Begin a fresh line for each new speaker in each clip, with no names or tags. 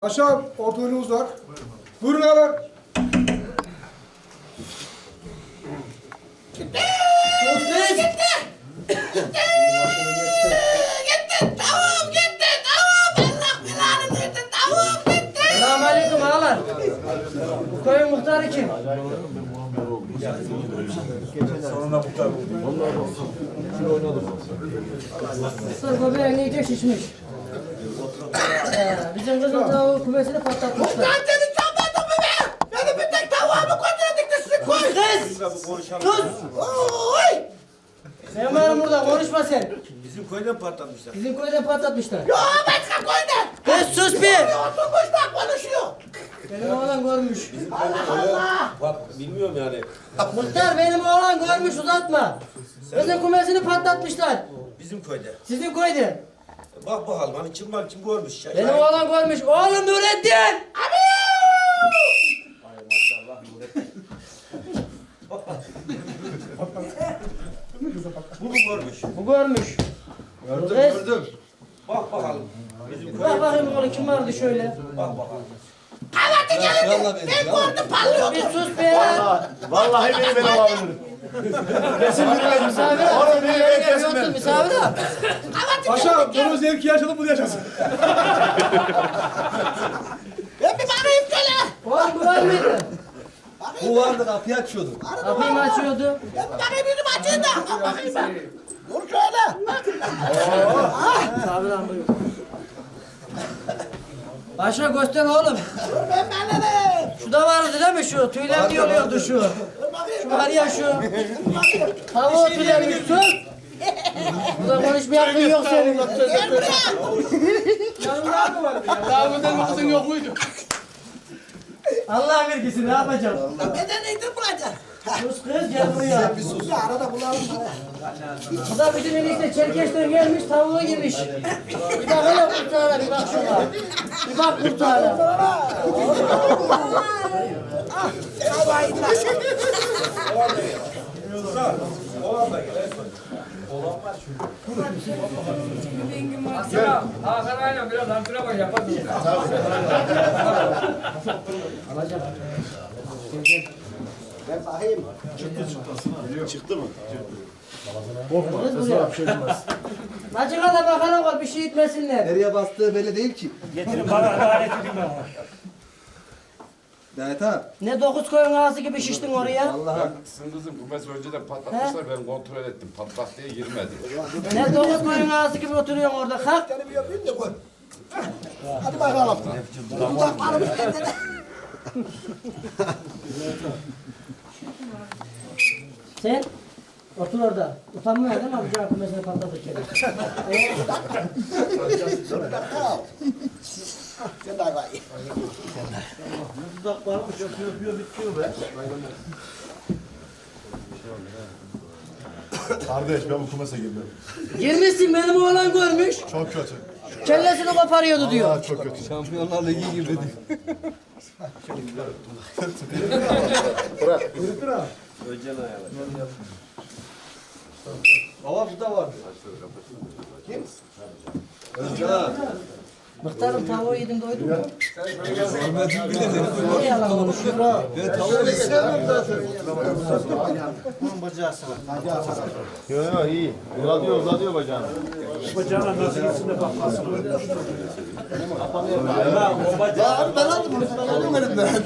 Aşağı orta önü uzak. Buyurun abi.
Gitti. Tavuğum gitti. Tavuğum. Allah belanı versin. Tavuğum gitti.
Selamünaleyküm ağalar. Bu köyün muhtarı kim? Muhtar göbeğin iyice şişmiş. Bizim kızın tavuğu kümesini patlatmışlar.
Lan seni çalmadın mı be? Beni bir tek tavuğumu götürdük de sizi koy.
Sus!
Oy.
Sen varım burada konuşma sen.
Bizim köyden patlatmışlar.
Bizim köyde patlatmışlar.
Yo başka koyda.
Kız sus bir!
Oturmuş da konuşuyor.
Benim oğlan görmüş.
Allah Allah.
Bak bilmiyorum yani.
Muhtar benim oğlan görmüş uzatma. Kızın kümesini patlatmışlar.
Bizim köyde.
Sizin köyde.
Bak bakalım hani kim var kim görmüş.
Benim oğlan görmüş. Oğlum Nurettin!
Bu mu görmüş?
Bu görmüş. Gördüm.
Bak bakalım. Bizim
Bak
köyde.
bakayım oğlum kim vardı şöyle.
Bak bakalım.
Hadi gelin. Ben gördüm parlıyordu.
Bir sus be ya.
Vallahi benim olabilir.
Misafir al.
Oğlum beni kesin
Yoktur
ben.
misafir al.
Aşağı bunu zevki yaşadık bunu yaşasın.
Ben bir bağırayım şöyle.
Oğlum bu var mıydı?
Bu vardı kapıyı açıyordu.
Kapıyı mı açıyordu?
Ben bir bağırayım yüzüm açayım da. Al bakayım ben. Dur şöyle.
Misafir al buyur. Başa göster oğlum.
Dur ben benlere.
Şu da vardı değil mi şu? Tüyler yoluyordu şu.
Dur bakayım.
Şu var ya şu. Tavuğu tüyleri sus. Burada konuşmaya hakkın yok senin.
Gel buraya.
Allah vergisi ne yapacağım?
Neden nedir bulacaksın?
Sus kız gel buraya.
Ya arada bulalım.
Bu da bizim enişte Çerkeş'ten gelmiş tavuğu girmiş. Bir bak hele kurtağına bir bak şuna. Bir bak kurtağına.
Oğlan da gel.
Hakan aynen biraz antrenman yapar.
Kız buraya. Açığa da bakalım var bir şey itmesinler.
Nereye bastığı belli değil ki.
Getirin bana alet edin bana.
Mehmet abi.
Ne dokuz koyun ağası gibi şiştin oraya.
Sizin kızım kümesi önceden patlatmışlar, ben kontrol ettim. Patlak diye girmedi.
Ne dokuz koyun ağası gibi oturuyorsun orada. Kalk.
Seni bir yapayım da koy. Hadi bakalım. Dudaklarımız kendine.
Sen otur orada. Utanmıyor değil mi amca kümesini patlatırken?
Sen daha var.
Kardeş ben bu kumasa girdim.
Girmişsin benim oğlan görmüş.
Çok kötü.
Kellesini koparıyordu diyor.
Aa, çok kötü. Şampiyonlar Ligi gibi. Baba bu da vardı. Kim? Özcan.
Muhtarım tavuğu yedim doydun mu? Ne yalan konuşuyor?
Ben tavuğu sevmem zaten. Yok iyi. Uzatıyor bacağını.
Bacağına nasıl gitsin de bakmasın.
Ya abi ben aldım bunu. Ben aldım elimden.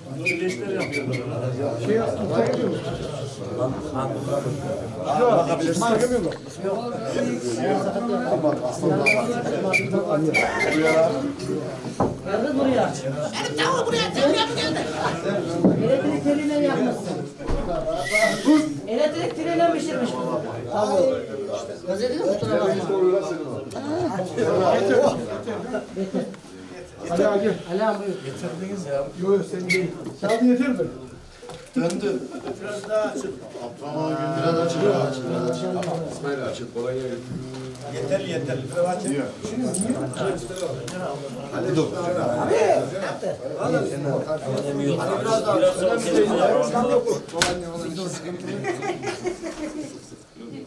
Geldi buraya.
Benim tavuğu buraya çekiyor mu geldi?
Elektrik teliyle yapmışsın. Elektrik teliyle pişirmiş bu tavuğu. Gazetede mi kusura bakma? Getir.
Ali abi gel.
Ali abi buyur.
Yok yok sen değil. Sen yeter mi?
Döndü. Biraz daha açık. Biraz açık.
İsmail açık, kolay gelsin.
Yeterli yeterli.
Hadi dur.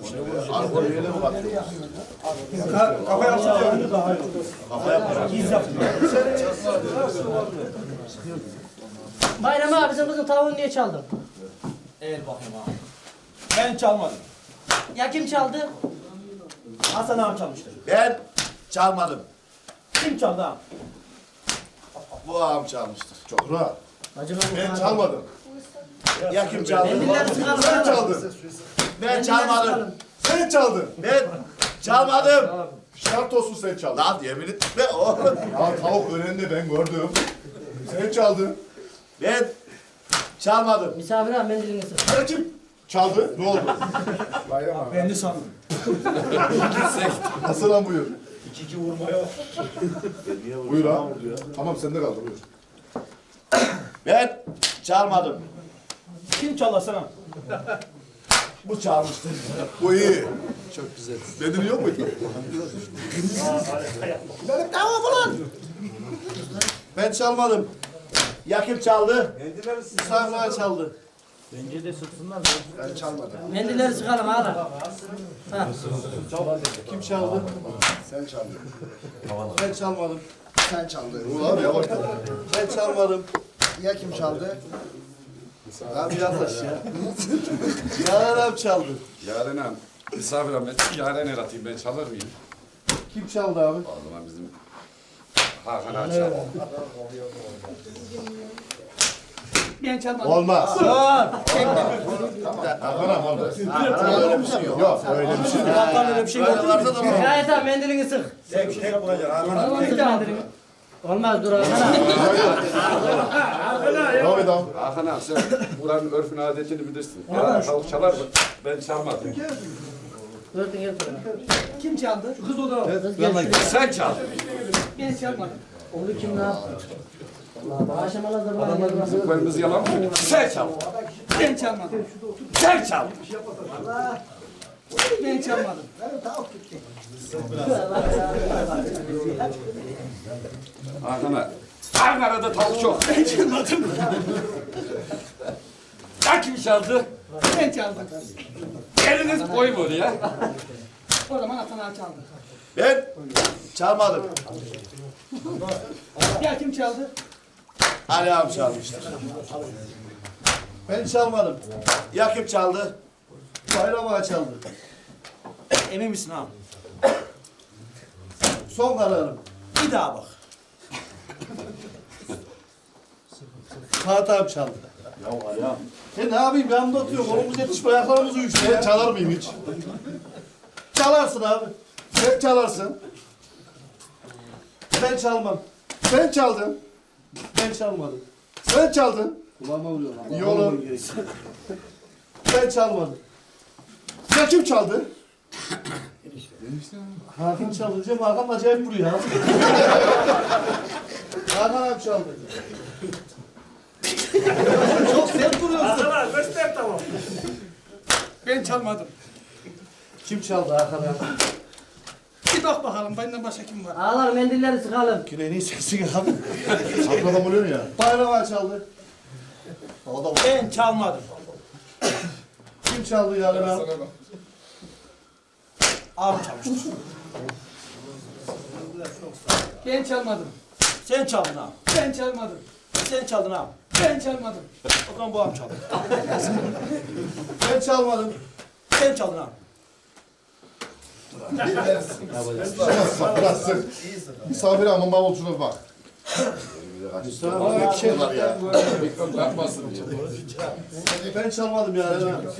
Alkol yerine mi bakıyor?
Kafa yapsın diyor.
Bayram abi bizim kızın tavuğunu niye çaldın?
Eğil bakayım abi. Ben çalmadım.
Ya kim çaldı?
Hasan ağam çalmıştır.
Ben çalmadım.
Kim çaldı ağam?
Bu ağam çalmıştır. Çok rahat.
Acaba
Ben çalmadım. Ya kim çaldı?
Mendiller sıkalım.
Sen çaldın. Ben
Mendiller
çalmadım.
sıkalım.
Sen çaldın. Ben çalmadım. Şart olsun sen çaldın. Lan yemin etme oğlum. Ya tavuk önünde ben gördüm. Sen çaldın. Ben çalmadım.
Misafir abi mendilini sık.
Sen kim çaldı? Ne oldu?
Ben de sandım.
Nasıl lan buyur?
2-2 vurmaya.
Buyur ha. Tamam sende kaldı buyur.
Ben çalmadım.
Kim çaldı Hasan ağam?
Bu çalmıştı. Bu iyi. Çok güzel. Benim yok muydu?
Benim tavuğum ulan. Ben çalmadım. Ya kim çaldı? Misafirler çaldı.
Ben çalmadım.
Mendilleri sıkalım hala. Ha.
Kim çaldı?
Sen çaldın.
Ben çalmadım.
Sen çaldın. Ulan yavaş.
Ben çalmadım.
Ya kim çaldı?
Abi yaklaş ya. Yaren çaldı.
Yaren Hanım, misafir Ahmet, Yaren el atayım ben çalar mıyım?
Kim çaldı abi?
O zaman bizim Hakan Ağa çalar.
Ben çalmadım.
Olmaz.
Aa!
Hakan olmaz. Öyle bir şey yok. Yok öyle bir şey yok.
Hakan öyle bir şey
Böyle varsa da mı?
Gayet abi mendilini sık.
Tek bulacaksın Hakan.
Sık mendilini. Olmaz dur Hakan abi.
Devam et abi.
Hakan Ağa sen buranın örfünü adetini bilirsin. Yaren tavuk çalar mı? Ben çalmadım.
Dörtün gel buraya.
Kim çaldı?
Kız gel şuraya.
Sen çal.
Ben çalmadım.
Onu kim ne yaptı? Allah aşamalar da bana gelmez.
Kırmızı yalan mı? Sen çal.
Ben çalmadım.
Sen çal.
Ben çalmadım.
Hakan Ağa. Ankara'da tavuk çok. Ben çalmadım. Ya kim çaldı?
Ben çaldım.
Eliniz koyun oraya.
O zaman Hasan ağa çaldı.
Ben çalmadım.
Ya kim çaldı?
Ali abi çalmıştır. Ben çalmadım. Ya kim çaldı? Bayram ağa çaldı.
Emin misin ağam?
Son kararım.
Bir daha bak.
Fatih abi çaldı. Ya. Ne yapayım yanımda atıyorum. Kolumuz yetişme ayaklarımız uyuştu.
Ben çalar mıyım hiç?
Çalarsın abi.
Sen çalarsın.
Ben çalmam.
Sen çaldın.
Ben çalmadım.
Sen çaldın.
Kulağıma vuruyor lan.
İyi olur.
Ben çalmadım.
Ya kim çaldı?
Hakan çalınca Hakan acayip vuruyor ha. Hakan abi çaldı. Çok sert vuruyorsun.
Hasan Ağa göster tamam.
Ben çalmadım.
Kim çaldı Hakan abi?
Bir bak bakalım benden başka kim var?
Ağlar mendilleri sıkalım.
Güneyin sesi abi.
Aklına vuruyor ya.
Bayram abi çaldı. O da
Ben çalmadım.
kim çaldı yani abi?
Ağam çalmıştır.
Ben çalmadım.
Sen çaldın ağam.
Ben çalmadım.
Sen çaldın ağam.
Ben çalmadım.
O zaman bu ağam çaldı.
Ben çalmadım.
Sen çaldın ağam.
Biraz sık. Misafir ama bavulcuna bak.
Abi bir şey var ya.
Mikrofon yapmasın diye.
Ben çalmadım yani.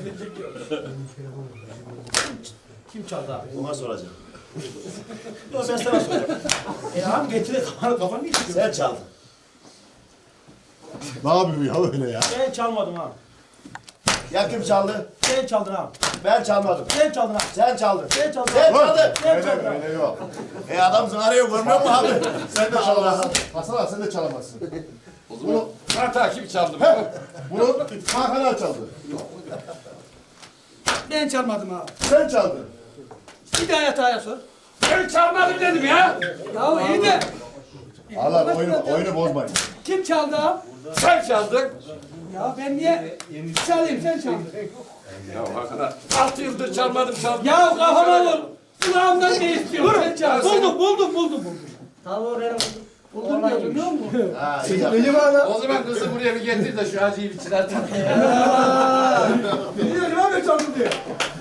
Kim çaldı abi?
Ona soracağım.
Ben sana soracağım. Ağam getir kafanı getir.
Sen çaldın.
Ne yapıyor ya öyle ya?
Ben çalmadım ağam.
Ya kim çaldı?
Sen çaldın ağam.
Ben çalmadım.
Sen çaldın ağam.
Sen çaldın.
Sen çaldın
Sen
ağam.
çaldın.
Sen
Öyle
çaldın ağam.
öyle yok.
Adam arıyor görmüyor musun abi?
Sen de çalamazsın. Hasan abi sen de çalamazsın.
O zaman Fatih kim çaldı?
Bunu Hakan çaldı.
Ben çalmadım abi.
Sen çaldın.
Bir daha yatağa sor.
Ben çalmadım dedim ya.
Ya iyi de
Allah oyunu bozmayın.
Kim çaldı ağam?
Sen çaldın.
Ya ben niye çalayım sen çaldın.
Ya hakikaten 6 yıldır çalmadım çaldım.
Ya kafama vur. Kulağımdan ne istiyorsun sen çaldın. Buldum.
Tavuğu benim
Buldum diyor biliyor musun?
Ha, iyi yaptın.
O zaman kızı buraya bir getir de şu acıyı bir çıkartalım.
Biliyorum abi çaldım diye.